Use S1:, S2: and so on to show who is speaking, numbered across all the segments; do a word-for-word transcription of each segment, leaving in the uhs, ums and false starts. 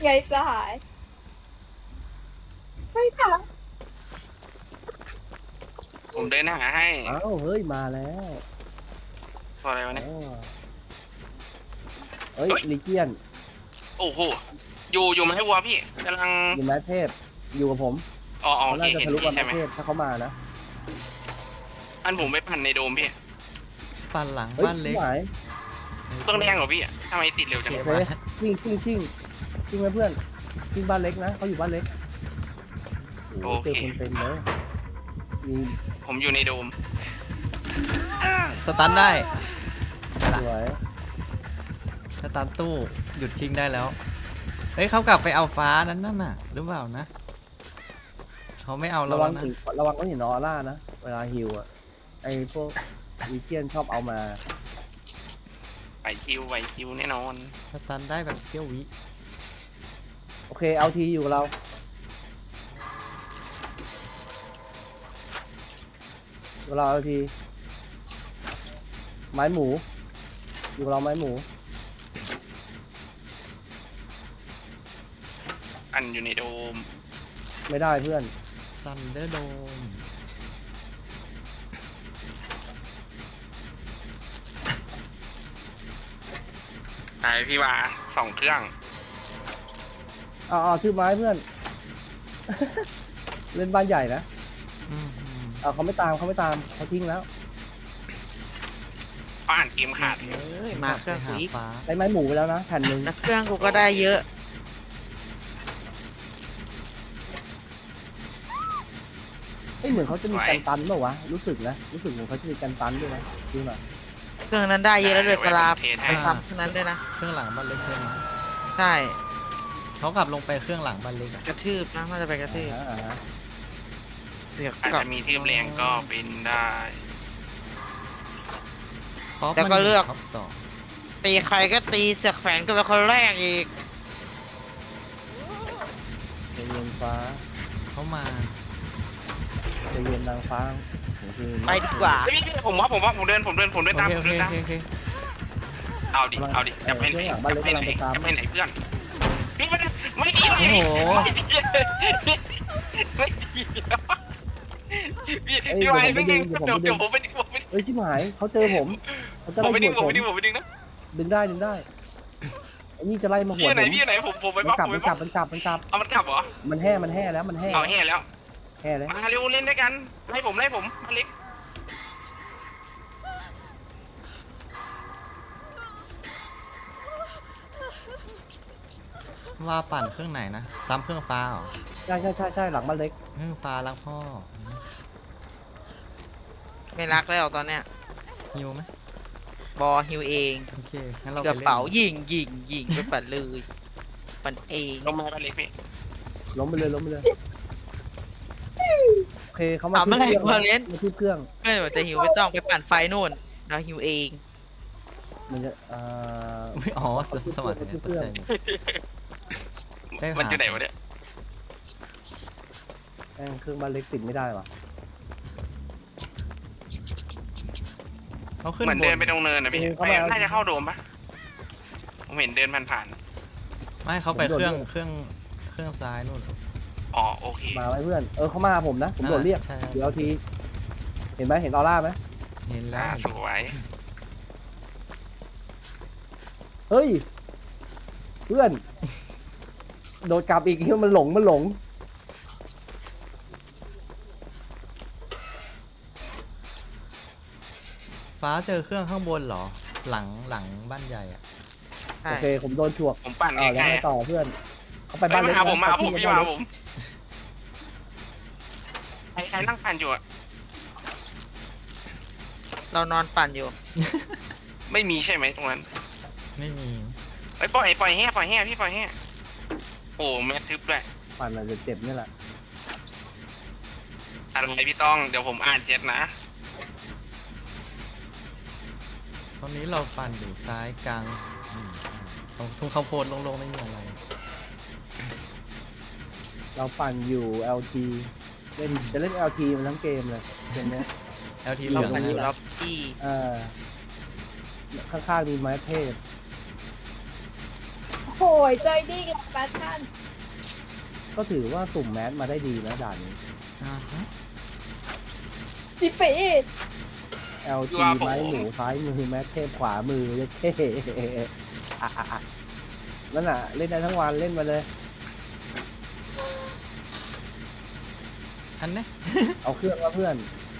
S1: ไงสหายไม่ค่ะ
S2: ผมเดินหาให้
S3: อ้าวเฮ้ยมาแล้ว
S2: ตัวอะไรวะ
S3: อ๋
S2: เนี่ย
S3: อเฮ้ย
S2: เฮ้ย
S3: ลิเจียน
S2: โอ้โหอยู่อยู่ไหมวัวพี่กำลัง
S3: อยู่แมทเทพอยู่กับผม
S2: อ๋ออ๋อ
S3: เขา
S2: โอเค
S3: น่าจะ
S2: เห็น
S3: ทะลุ
S2: พี่
S3: กับแม
S2: ใช่
S3: ท
S2: ไหม
S3: เทพถ้าเขามานะ
S2: อันผมไปปั่นในโดมพี่
S4: ปั่นหลัง
S3: เฮ้ย
S4: บ้านเล็ก
S3: หาย
S2: เครื่องแรงเหรอพี่ทำไมติดเร็วจัง
S4: เก็บ
S3: โอเค
S4: มา
S3: ชิงชิงชิงชิงไหมเพื่อนชิงบ้านเล็กนะเขาอยู่บ้านเล็กโอ้โหเจอคนเต็มเลยมี
S2: ผมอยู่ในโดม
S4: สตันได้ไป
S3: ส
S4: ละ
S3: วย
S4: สตันตู้หยุดชิงได้แล้วเฮ้ยเขากลับไปเอาฟ้านั้นนั่นน่ะหรือเปล่านะเขาไม่เอาเรา
S3: ระวั
S4: แล้
S3: ง
S4: วนะ
S3: ถึงระวังก็เห็นออร่านะเวลาฮิวอ่ะไอพวกลิเจียนชอบเอามา
S2: ไหวคิวไหวคิวแน่นอน
S4: สตันได้แบบเที่ยววิ
S3: โอเคเอาทีอยู่กับเราเวลาเอาทีไม้หมู อยู่กับเราไม้หมู
S2: อันอยู่ในโดม
S3: ไม่ได้เพื่อน
S4: ซันเดอร์โดม
S2: ไปพี่ว่าสองเครื่อง
S3: เอาเอาชื่อไม้เพื่อน เล่นบ้านใหญ่นะ
S4: อืมอืม
S3: เอาเขาไม่ตามเขาไม่ตามเขาทิ้งแล้ว
S2: ป้านเกมขาด
S5: เอ้ยมาเครื่อง
S4: ไป
S5: กู
S4: หา
S5: อีก
S4: ฟ้า
S3: ได้ไม้หมูไปแล้วนะแผ่นหนึ่ง
S5: แล้วเครื่องกูก็ได้เยอะ
S3: เอ้ยเหมือนเขาจะมีกันตันเปล่าวะรู้สึกนะรู้สึกเหมือนเขาจะมีกันตันด้วยนะดูหน่อย
S5: เครื่องนั้นได้เยอะแล้วด้วยกะลา
S2: เทส
S5: ไป
S2: ให้
S5: ทำเครื่องนั้นด้วยนะ
S4: เครื่องหลังบ้านเล็กใช่ไหม
S5: ใช่
S4: เขากลับลงไปเครื่องหลังบ้านเล็กอะ
S5: กระทืบนะน่าจะไปกระทืบ
S3: อ่าอ่าฮะ
S5: เสือก
S2: อาจ
S5: กลับ
S2: จะมีทืบแรงก็เป็นได้
S4: ป๊อป
S5: แล้วก็
S4: มัน
S5: เลือก
S4: ท็อปสอง
S5: ตีใครก็ตีเสือกแฝงก็เป็นคนแรกอีก
S3: ใจเย็นฟ้า
S4: เขามา
S3: ใจเย็นนางฟ้าโอเค
S5: ไปดีกว่า
S2: เฮ้ยพี่ผมว่าผมว่าผมเดินผมเดินผมเดินตาม
S4: โอ
S2: ผม
S4: เค
S2: เดิน
S4: โอ
S2: ตาม
S4: เคโอเค
S2: เอาดิเอาดิจะไปไหนจะไปไหนจะไปไหนเพื่อนพี่ไม่ได้ไม่ดีเลย
S4: โอ้โห
S2: ไม่ดีเลยไม่ดีพี่พี่ไว้ไม่ดีเดี๋ยวเดี๋ยวผมไปดึงผมไป
S3: เอ้ยชิบหายเขาเจอผมเขาจะ
S2: ผม
S3: ไล่
S2: ไปดึง
S3: ห
S2: ผม
S3: ว
S2: ไป
S3: ด
S2: ดึงผมไปดึงนะ
S3: ดึงได้ดึงได้ไอ้นี่จะไล่มาหั
S2: พี่
S3: ว
S2: ไหน
S3: ผม
S2: พี่ไหนผมผมไป
S3: มั
S2: บล็อน ก
S3: กลับ
S2: ผมไป
S3: มัน
S2: บ
S3: ก
S2: ล็
S3: ลั
S2: อบ ก
S3: มันกลับมันกลับ
S2: เอามันกลับเหรอ
S3: มันแห่มันแห่แล้วมันแห่
S2: เอาแห่แล้ว
S3: แห่แล้ว
S2: มาเร็วเล่นด้วยกันไล่ผมไล่ผมมาเล็ก
S4: ว่าปั่นเครื่องไหนนะซ้ำเครื่องฟ้าเหรอ
S3: ใช่ใช่ใช่ใช่หลังบ้านเล็ก
S4: เครื่องฟ้ารักพ่อ
S5: ไม่รักแล้วตอนเนี้ย
S4: ฮิวไหม
S5: บอฮิวเอง
S4: โอเคงั้นเรา
S5: ก
S4: ไประ เล่น
S5: เป๋ายิงยิงยิงไปปั่นเลยปั่นเอง
S2: ลงมาไปเล็กพี่
S3: ล้มไปเลยล้มไปเลยโอเคเขามา
S5: เอา
S3: ที่
S5: เมื่อไหร่
S3: เครื่อง
S5: พอเล่น
S3: มาที่เครื่อง
S5: ไม่ว่าจะฮิวไม่ต้องไปปั่นไฟนู่นเราฮิวเอง
S3: มันจะอ่า
S4: ไม่อ๋อสสมัครเนี่ยตกใจหมดได้หา
S2: มันอยู่ไหนวะเนี่ย
S3: แม่งเครื่องบ้านเล็กติดไม่ได้ว่ะ
S4: เขาขึ้น
S2: เหมือน
S4: บ
S2: เดิน
S4: น
S2: ไปตรงเนินนะพี่ไม่น่าจะเข้าโดมปะผมเห็นเดินผ่าน
S4: ไม่เขาไปเครื่องเครื่องเครื่องซ้ายนู่น
S2: ๆอ๋อโอเค
S3: มาไว้เพื่อนเออเขามาหาผมนะผมโดดเรียก
S4: ใช่
S3: เดี๋ยวเอาทีเห็นไหมเห็นออร่าไหม
S4: เห็นแล้
S2: อ่าว สวย
S3: เฮ้ยเพื่อน โดดกลับอีกที่มันหลงมันหลง
S4: ฟ้าเจอเครื่องข้างบนเหรอ หลังหลังบ้านใหญ่อะ
S5: ใช่
S3: โอเคผมโดนฉวก
S2: ผมปั่น
S3: อ่าแล้ว
S2: ใกล้
S3: ไงต่อเพื่อนเขาไป
S2: ๆไป
S3: บ้านเล็
S2: มาก หาผมมาหาผม
S3: ไป
S2: พี่
S3: บ้
S2: มาน หา
S3: เล็ก
S2: ผมใครใครนั่งปั่นอยู่อะ
S5: เรานอนปั่นอยู่
S2: ไม่มีใช่ไหมตรงนั้น
S4: ไม่มี
S2: ไอ้ยปล่อยปล่อยแห่ปล่อยแห่พี่ปล่อยแห่โอ้แม่ทึบด้วย
S3: ปั่นอาจจะเจ็บนี่แหละ
S2: อะไรพี่ต้องเดี๋ยวผมอ่านเจ็ดนะ
S4: ตอนนี้เราปั่นอยู่ซ้ายกลางอืมตรงทุ่งข้าวโพดโล่งๆไม่มีอะไร
S3: เราปั่นอยู่ แอล ที เล่นจะเล่น แอล ที มันทั้งเกมเลยเกมเนี้ย
S4: แอลทีเห
S5: เรา
S4: ลือง
S5: ปั่นอยู่
S4: นะ
S5: ล็อบบี้
S3: เออข้างๆมีไม้เทพ
S1: โอ้โหยใจดีกับแฟชั่น
S3: ก็ถือว่าสุ่มแมสมาได้ดีนะด่านนี้
S4: อ่าฮะ
S1: ดิเฟ่
S3: แอล จี ไม้หมูซ้ายมือแมสเทพขวามือยัดเท่ อ่ะอ่ะอ่ะนั่นน่ะ เล่นได้ทั้งวันเล่นมาเลย
S4: อันเนี้ย
S3: เอาเครื่องมาเพื่อน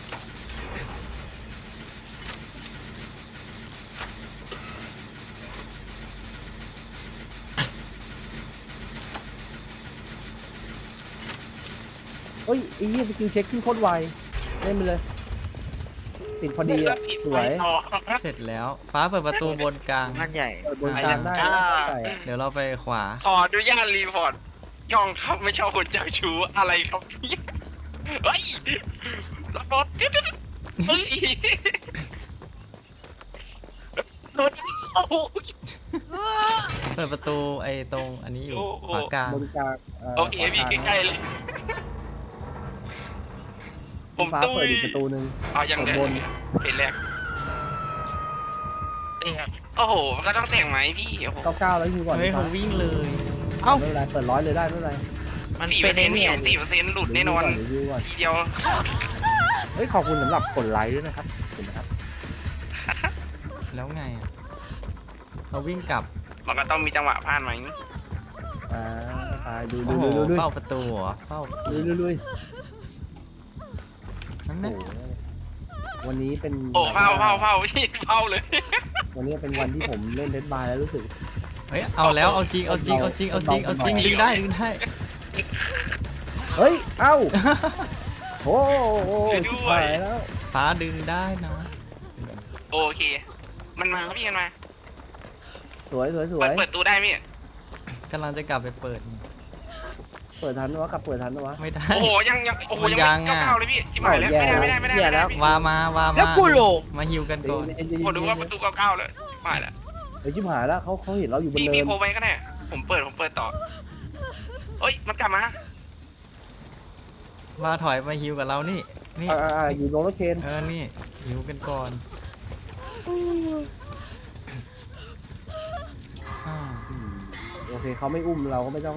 S3: เฮ้ยไอ้เหี้ยสกิลเช็คขึ้นโคตรไว เล่นไปเลย ติดพอดีอ่ะ สวย
S4: เสร็จแล้วฟ้าเปิดประตูบนกลาง
S5: มันใหญ่
S3: เปิดบนกลางได้นะใส่อะ
S4: เดี๋ยวเราไปขวา
S2: ขออนุญาตรีพอร์ตย่องครับไม่ชอบคนเจ้าชู้อะไรครับเนี่ยเฮ้ยระเบิดเฮ้ยโดนโอ้โห
S4: เปิดประตูไอ้ตรงอันนี้อยู่ขวากลาง
S3: บนกลาง
S2: โอเคพี่ใกล้ๆเลยผ
S3: ผม
S2: ม
S3: ฟ้า
S2: ตุ้
S3: เปิด
S2: ย
S3: อีกประตูหนึ่ง
S2: เอาอย่างเดิ
S3: บ
S2: ม
S3: น
S2: เป็นแรกโอ้โหมันก็ต้องแต่งไหมพี่โอ้โห
S3: เก้าเก้าแล้วยิงก่อน
S4: เฮ้ย
S3: ฟ้า
S4: เขาวิ่งเลย
S3: ไม่เป็นไรเปิดร้อยเลยได้ไม่เป็นไร
S5: มัน
S2: สี่เป
S5: เป็
S2: อน ร์เซ็
S5: ไอ้
S2: นต์
S5: เนี่
S2: พี่
S5: ย
S2: สี่เปอร์เซ็นต์หลุดแน่นอน
S3: รีวิวก่อน
S2: ทีเดียว
S3: เฮ้ยขอบคุณสำหรับกดไลค์ด้วยนะครับขอบคุณนะครับ
S4: แล้วไงอ่ะเขาวิ่งกลับ
S2: มันก็ต้องมีจังหวะพลาดไหม
S3: อ่าไปดูดู
S4: โอ้โห
S3: ดูดูดู
S4: เฝ้าประตูเหรอเฝ้า
S3: ดูดูดู
S4: นั่น
S3: โอ้
S4: นะ
S3: โหวันนี้เป็น
S2: โอ้เฝ้าเฝ้าเฝ้าพี่เฝ้าเลย
S3: วันนี้เป็นวันที่ผมเล่นเดดบายแล้วรู้สึก
S4: เฮ้ยเอาแล้วเอาจริงเอาจริงเอาจริงเอาจริงเอาจริงดึงได้ดึงได้
S3: เฮ้ยเอ้าโอ้โห
S2: ช่วยด้วย
S3: ชิบหายแล้ว
S4: ฟ้าดึงได้นะ
S2: โอเค มันมาพี่มันมา
S3: สวยสวยสว
S2: เปิด
S3: ย
S2: เปิดตู้ได้พี่
S4: กำลังจะกลับไปเปิด
S3: เปิดทันวะกลับเปิดทันวะ
S4: ไม่ได้
S2: โอ้โหยังยังโอ้โห
S4: มัน
S2: ยัง
S4: ยัง
S2: ไม่
S4: อะ
S2: เก้าเลยพี่ชิบหายแล้ว
S3: แย่
S2: ไม่ได้ไม่ได้ไม่ได้ไม่ได้พี่
S4: วามาวามา
S5: แล้วกูหลง
S4: มาฮิวกันก่อน
S2: ผมดูว่าประตูเก้าเก้าเลยชิบหายแล้ว
S3: เฮ้ยชิบหายแล้วเขาเขาเห็นเราอยู่บน
S2: พี่
S3: เนิ
S2: พี่
S3: น
S2: โพไว้ก็ได้ผมเปิดผมเปิดต่อเฮ้ยมันกลับมา
S4: มาถอยมาฮิวกับเรานี่นี่
S3: อ่าอ่าอยู่โรลเลอร์เคน
S4: เออนี่ฮิวกันก่อนอ่า
S3: อืมโอเคเขาไม่อุ้มเราก็ไม่ต้อง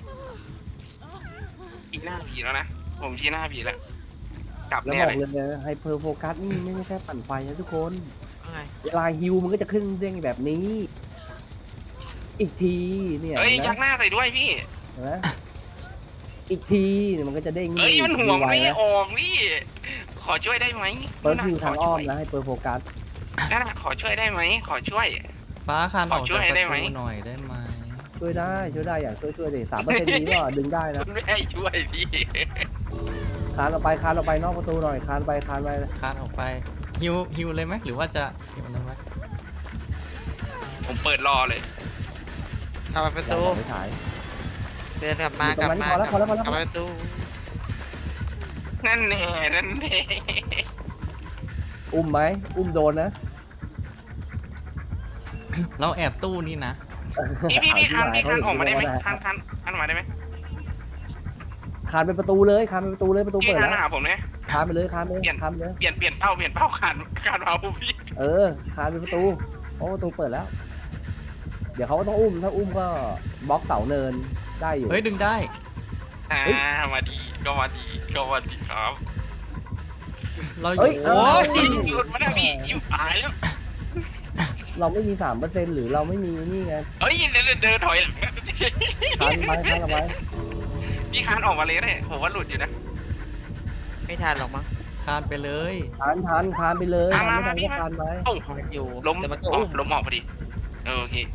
S2: ชี้หน้าผีแล้วนะผมชี้หน้าผีแล้วกลับ
S3: แล้ว
S2: แน่
S3: บอ
S2: เล
S3: ก
S2: ย
S3: เลยนะไฮเปอร์โฟกัสนี่ไม่ใช่แค่ปั่นไฟนะทุกคน
S5: ไง
S3: เวลาฮิวมันก็จะขึ้นเด้งแบบนี้ อีกทีเนี่ย
S2: เฮ้ยยั
S3: นะ
S2: กหน้าใส่ด้วยพี่
S3: เห็นะอีกทีเนี่ยมันก็จะเด้ง
S2: เฮ้ยมันห่วง
S3: ไว
S2: ไม่
S3: นะ
S2: ออกพี่ขอช่วยได้ไหม
S3: เปิดฮิวทางอ้อม
S2: ข
S3: นะให้เปิดโฟกัส
S2: นั่นน่ะขอช่วยได้ไหมขอช่วย
S4: ฟ้าคานออก
S2: ขอช่
S4: จาก
S2: วย
S4: ประ
S2: ได้ไหม
S4: ตูหน่อยได้ไหม
S3: ช่วยได้ช่วยได้อยากช่วยช่วยดิสามเปอร์เซ็นต์นี้ก็ดึงได้นะ
S2: คุณไม่ให้ช่วยพี่
S3: คานออกไปคานออกไปนอกประตูหน่อยคานไปคานไป
S4: คานออกไปฮิวฮิวเลยไหมหรือว่าจะฮิวมันไหม
S2: ผมเปิดรอเลย
S5: กลับไปประตู
S3: ไม่ถ่าย
S5: เดินกลับมากลับมากลับกลับไปประตู
S2: นั่นแน่นั่นแน่
S3: อุ้มไหมอุ้มโดนนะ
S4: เราแอบตู้นี่นะ
S2: พี่พี่พี่คันพี่คันออกมาได้ไหม
S3: เ
S2: คันคันคันออกมาได้ไหม
S3: คานไปประตูเลยคานไปประตูเลยประตู
S2: พี่
S3: เปิด
S2: คัน
S3: แล้ว
S2: มาหาผมเนี่ย
S3: คานไปเลยคานไปเลย
S2: เปลี่ยน
S3: คานไปเลย
S2: เปลี่ยนเปลี่ยนเป้าเปลี่ยนเป้าคันคันเอาพี่
S3: เออคานไปประตูโอ้ประตูเปิดแล้ว เดี๋ยวเขาก็ต้องอุ้มถ้าอุ้มก็บล็อกเสาเนินได้อยู่
S4: เฮ้ยดึงได้
S2: อ่ามาดีก็มาดีก็มาดีครับ
S4: เราอ
S3: เฮ้ย
S4: ยู่
S3: โอ้
S2: โอ้ยหยุดมาได้พี่หยุดตายแล้ว
S3: เราไม่มีสามเปอร์เซ็นต์หรือเราไม่มีนี่ไง
S2: เฮ้ยเดินเดินถอยหลัง
S3: คานไปคานเอาไว้
S2: พี่คันออกมาเลยเนี่ยผมว่าหลุดอยู่นะ
S5: ไม่ทันหรอกมั้ง
S4: คานไปเลย
S3: คานคานคานไปเลยคานไม่ทันก็คานไป
S2: โอ้
S5: มันอยู่
S2: ล้ม
S5: แต่มันก็
S2: อ๋อ
S5: อุ้ม
S2: ล้มออกพอดีเออโอเค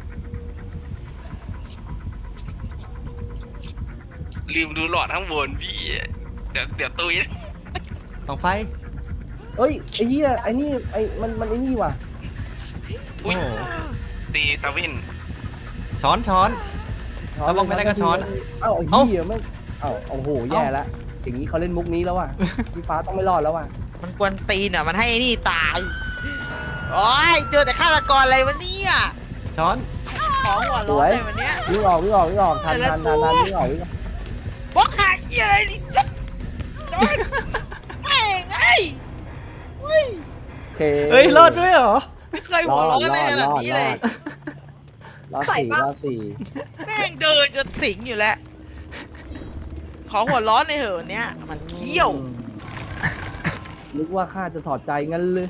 S2: ลืมดูหลอดข้างบนพี่เดี๋ยวเดี๋ยวตุย
S4: ต้องไฟ
S3: เอ้ยไอ้เหี้ยไอ้นี่ไอ้มันมันไอ้นี่ว่ะ
S4: โอ้โห
S2: ตีตาวิน
S4: ช้อนช้อน แล้วบอกไม่ได้ก็ช้อน
S3: เอ้าไอ้
S4: เอ้า
S3: เหี้ยไม่เอ้าโอ้โหแย่แล้วอย่างนี้เขาเล่นมุกนี้แล้วว่ะพี่ฟ้าต้องไม่รอดแล้วว่ะ
S5: มันกวนตีนอ่ะมันให้นี่ตายโอ้ยเจอแต่ฆาตกรอะไรวะเนี่ย
S4: ช้อน
S5: ของหัวร้อนเลยวันเนี้ย
S3: วิ่งออกวิ่งออกวิ่งออกทันทันทันทันวิ่งออกวิ่งออก
S5: บล็อกหาเหี้ยอะไรนี่สัสโอ๊ยแม่งไอ้เฮ้ย
S3: โอเค
S4: เฮ้ยรอดด้วยเหรอ
S5: ไม่เคยหัวร้อนอะไรขนาดนี้เลย
S3: รอสี่รอสี่
S5: แม่งเดินจะสิงอยู่แล้ว ขอหัวร้อนในอยเหอะเนี้ยมันเขี้ยว
S3: อืมนึกว่าข้าจะถอดใจงั้นเลย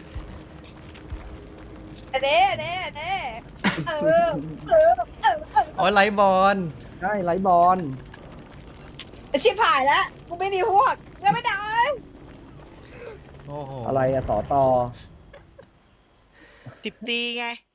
S1: เด้เด้เด้เออเออเออเออ
S4: โอ้ยไลท์บอล
S3: ใช่ไลท์บอล
S1: ชิบหายแล้วกูไม่มีพวกเงินไม่ได้
S4: โอ้โห
S3: อะไรอะสอตอ
S5: ติบตีไง